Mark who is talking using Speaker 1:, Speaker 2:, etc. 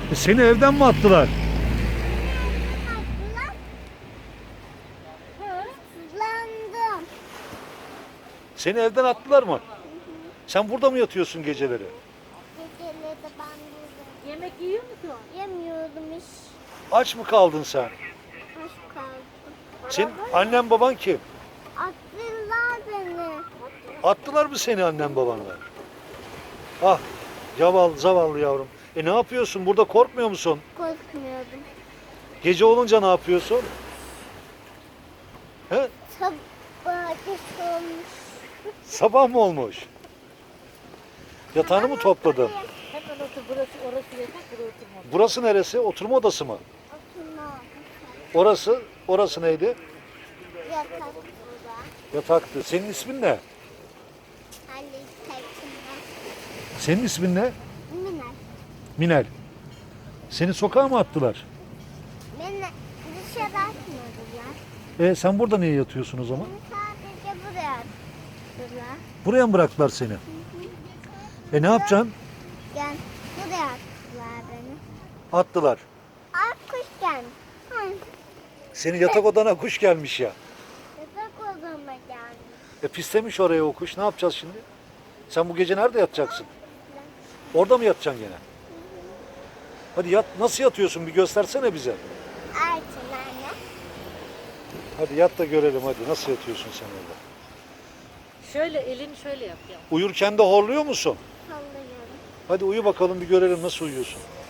Speaker 1: Seni evden mi attılar?
Speaker 2: Hırsızlandım.
Speaker 1: Seni evden attılar mı? Sen burada mı yatıyorsun geceleri?
Speaker 2: Geceleri de ben buradayım.
Speaker 3: Yemek yiyor musun?
Speaker 2: Yemiyordum hiç.
Speaker 1: Aç mı kaldın sen?
Speaker 2: Aç kaldım.
Speaker 1: Senin annen baban kim?
Speaker 2: Attılar beni.
Speaker 1: Attılar mı seni annen babanla? Ah, zavallı yavrum. Ne yapıyorsun? Burada korkmuyor musun?
Speaker 2: Korkmuyordum.
Speaker 1: Gece olunca ne yapıyorsun? He?
Speaker 2: Sabah geç olmuş.
Speaker 1: Sabah mı olmuş? Yatağını mı topladın?
Speaker 3: Hemen otur, burası orası yatak, burası oturma.
Speaker 1: Burası neresi? Oturma odası mı?
Speaker 2: Oturma.
Speaker 1: Orası neydi?
Speaker 2: Yatak burada.
Speaker 1: Yataktı. Senin ismin ne?
Speaker 2: Halil Tekin'den.
Speaker 1: Senin ismin ne?
Speaker 2: Miner.
Speaker 1: Minel. Seni sokağa mı attılar?
Speaker 2: Beni dışarı atmadılar.
Speaker 1: Sen burada niye yatıyorsun o zaman?
Speaker 2: Beni sadece buraya attılar.
Speaker 1: Buraya mı bıraktılar seni? Ne yapacaksın?
Speaker 2: Gel. Buraya attılar beni.
Speaker 1: Attılar.
Speaker 2: Ay kuş gelmiş. Hı.
Speaker 1: Senin yatak odana kuş gelmiş ya.
Speaker 2: Yatak odama gelmiş.
Speaker 1: Pislemiş oraya o kuş. Ne yapacağız şimdi? Sen bu gece nerede yatacaksın? Orada mı yatacaksın gene? Hadi yat. Nasıl yatıyorsun? Bir göstersene bize.
Speaker 2: Artı anne.
Speaker 1: Hadi yat da görelim hadi. Nasıl yatıyorsun sen orada?
Speaker 3: Şöyle elini şöyle yap ya.
Speaker 1: Uyurken de horluyor musun?
Speaker 2: Sallıyorum.
Speaker 1: Hadi uyu bakalım bir görelim nasıl uyuyorsun.